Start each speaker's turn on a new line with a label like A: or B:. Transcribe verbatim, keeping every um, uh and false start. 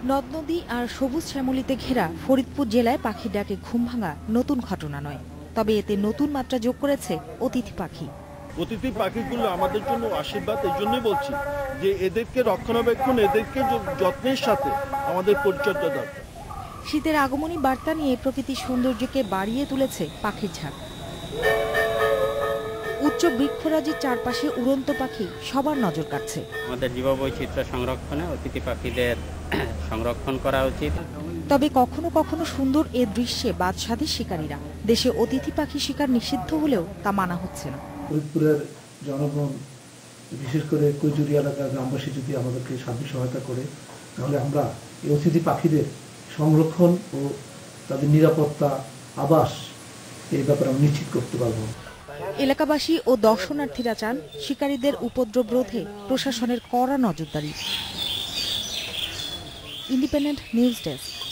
A: নদ নদী আর সবুজ শ্যামলিতে ঘেরা ফরিদপুর জেলায় পাখির ডাকে ঘুম ভাঙা নতুন ঘটনা নয়, তবে এতে নতুন মাত্রা যোগ করেছে অতিথি পাখি।
B: অতিথি পাখিগুলো আমাদের জন্য আশীর্বাদ। এই জন্যই বলছি যে এদেরকে রক্ষণাবেক্ষণ, এদেরকে যত্নের সাথে আমাদের পরিচর্যা দরকার।
A: শীতের আগমনী বার্তা নিয়ে প্রকৃতির সৌন্দর্যকে বাড়িয়ে তুলেছে পাখির ঝাঁক। উচ্চ বৃক্ষরাজির চারপাশে উড়ন্ত পাখি সবার নজর কাটছে।
C: আমাদের জীববৈচিত্র্য সংরক্ষণে অতিথি পাখিদের সংরক্ষণ করা উচিত।
A: তবে কখনো কখনো সুন্দর এ দৃশ্যে বাদশাদের শিকারীরা। দেশে অতিথি পাখি শিকার নিষিদ্ধ হলেও তা মানা হচ্ছে না।
D: ফরিদপুরের জনগণ, বিশেষ করে কৈজুরি এলাকার গ্রামবাসী যদি আমাদেরকে সাহায্য সহায়তা করে, তাহলে আমরা এই অতিথি পাখিদের সংরক্ষণ ও তাদের নিরাপত্তা, আবাস এই ব্যাপারে আমরা নিশ্চিত করতে পারব।
A: এলাকাবাসী ও দর্শনার্থীরা চান শিকারীদের উপদ্রব রোধে প্রশাসনের কড়া নজরদারি। Independent news desk.